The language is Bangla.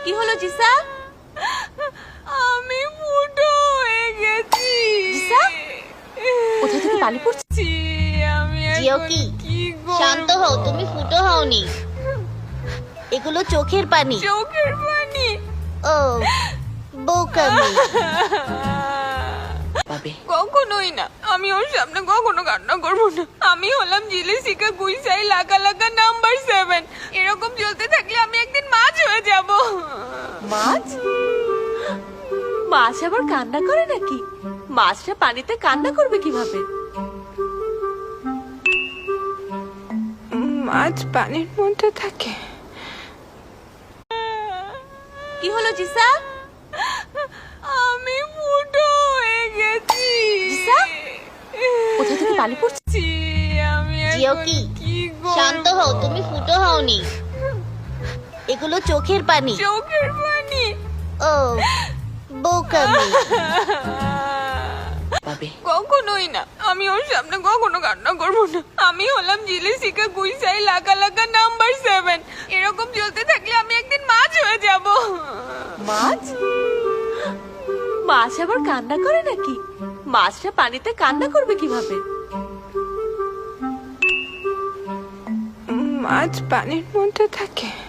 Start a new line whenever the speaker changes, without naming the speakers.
কি হলো জিসা?
আমি ফুটো হয়ে গেছি।
জিসা কোথা থেকে পানি পড়ছে?
আমি
জিও
এখন
কি
কি করব?
শান্ত হও, তুমি ফুটো হওনি, এগুলো চোখের পানি।
চোখের পানি।
ও বোকামি।
পাবে
কখনোই না, আমি ওর সামনে কখনো কান্না করবো না। আমি হলাম জিলেসিকা গুইসাই লাগা লাগা নাম্বার 7। এরকম চলতে থাকলে আমি একদিন মাছ হয়ে যাব।
মাছ? মাছ আবার কান্না করে নাকি? মাছটা পানিতে কান্না করবে কিভাবে?
মাছ পানির মধ্যে থাকে।
কি হলো জিসা?
আমি ফুটো হয়ে গেছি।
জিসা কোথা থেকে পানি পড়ছে?
আমি
জিও
এখন
কি
কি করব?
শান্ত হও, তুমি ফুটো হওনি, এগুলো চোখের পানি।
চোখের পানি।
ও বোকামি।
পাবে
কখনোই না, আমি ওর সামনে কখনো কান্না করবো না। আমি হলাম জিলেসিকা গুইসাই লাগা লাগা নাম্বার 7। এরকম চলতে থাকলে আমি একদিন মাছ হয়ে যাব।
মাছ? মাছ আবার কান্না করে নাকি? মাছটা পানিতে কান্না করবে কিভাবে?
মাছ পানির মধ্যে থাকে।